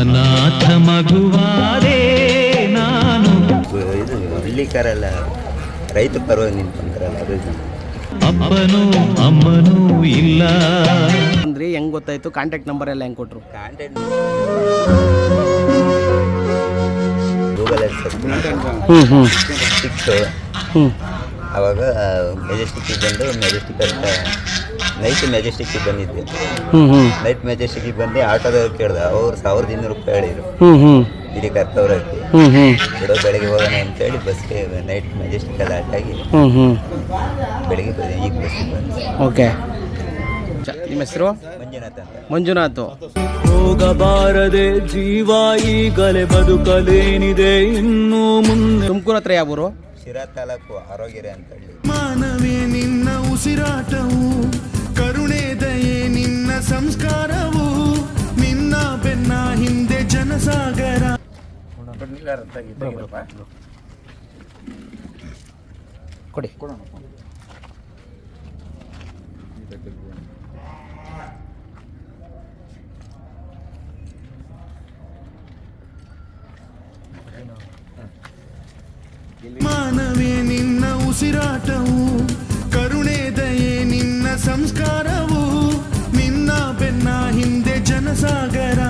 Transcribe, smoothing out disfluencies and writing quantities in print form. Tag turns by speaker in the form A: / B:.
A: ಅನಾಥ ಮಗುವಾದೆ ನಾನು.
B: ಇದು ಹಳ್ಳಿಕಾರೆಲ್ಲ ರೈತ ಪರವಾಗಿ ನಿಂತ್ಕೊಂತಾರಲ್ಲ ಅದು
A: ಅಪ್ಪನೂ ಅಮ್ಮನೂ ಇಲ್ಲ
C: ಅಂದ್ರೆ ಹೆಂಗ್ ಗೊತ್ತಾಯ್ತು? ಕಾಂಟ್ಯಾಕ್ಟ್ ನಂಬರ್ ಎಲ್ಲ ಹೆಂಗ್ ಕೊಟ್ರು?
B: ಕಾಂಟ್ಯಾಕ್ಟ್ ಗೂಗಲಲ್ಲಿ ಸಿಕ್ತು. ಆವಾಗ ಮೆಜೆಸ್ಟಿಕ್ಕಿಗೆ ಬಂದು ಮೆಜೆಸ್ಟಿಕ್ ನೈಟ್ ಮೆಜೆಸ್ಟಿಕ್ಕಿಗೆ ಬಂದಿದ್ದೆ. ನೈಟ್ ಮೆಜೆಸ್ಟಿಕ್ಕಿಗೆ ಬಂದು ಆಟೋದವ್ರು ಕೇಳ್ದೆ, ಅವ್ರು 1200 ರೂಪಾಯಿ ಹೇಳಿದ್ರು ಇಲ್ಲಿ ಕರ್ತವ್ರಕ್ಕೆ. ಬಿಡೋ ಬೆಳಗ್ಗೆ ಹೋಗೋಣ ಅಂತೇಳಿ ಬಸ್ಗೆ ನೈಟ್ ಮೆಜೆಸ್ಟಿಕಲ್ಲಿ ಆಟಾಗಿ ಬೆಳಗ್ಗೆ ಈಗ ಬಸ್ಸಿಗೆ ಬಂದೆ.
C: ಓಕೆ, ನಿಮ್ಮ ಹೆಸರು?
B: ಮಂಜುನಾಥ್ ಅಂತ.
C: ಮಂಜುನಾಥ್.
A: ಹೋಗಬಾರದೆ ಜೀವ ಈಗಲೇ ಬದುಕಲೇನಿದೆ ಇನ್ನು ಮುಂದೆ.
C: ತುಮಕೂರು ಹತ್ರ ಯಾವ ಊರು?
B: ಶಿರಾ ತಾಲೂಕು ಆರೋಗ್ಯರೆ ಅಂತ ಹೇಳಿ.
D: ಮಾನವೇ ನಿನ್ನ ಉಸಿರಾಟವು, ಕರುಣೆ ದಯೆ ನಿನ್ನ ಸಂಸ್ಕಾರವು, ನಿನ್ನ ಬೆನ್ನ ಹಿಂದೆ ಜನಸಾಗರ.
C: ಕೊಡಿ.
D: ಮಾನವೇ ನಿನ್ನ ಉಸಿರಾಟವು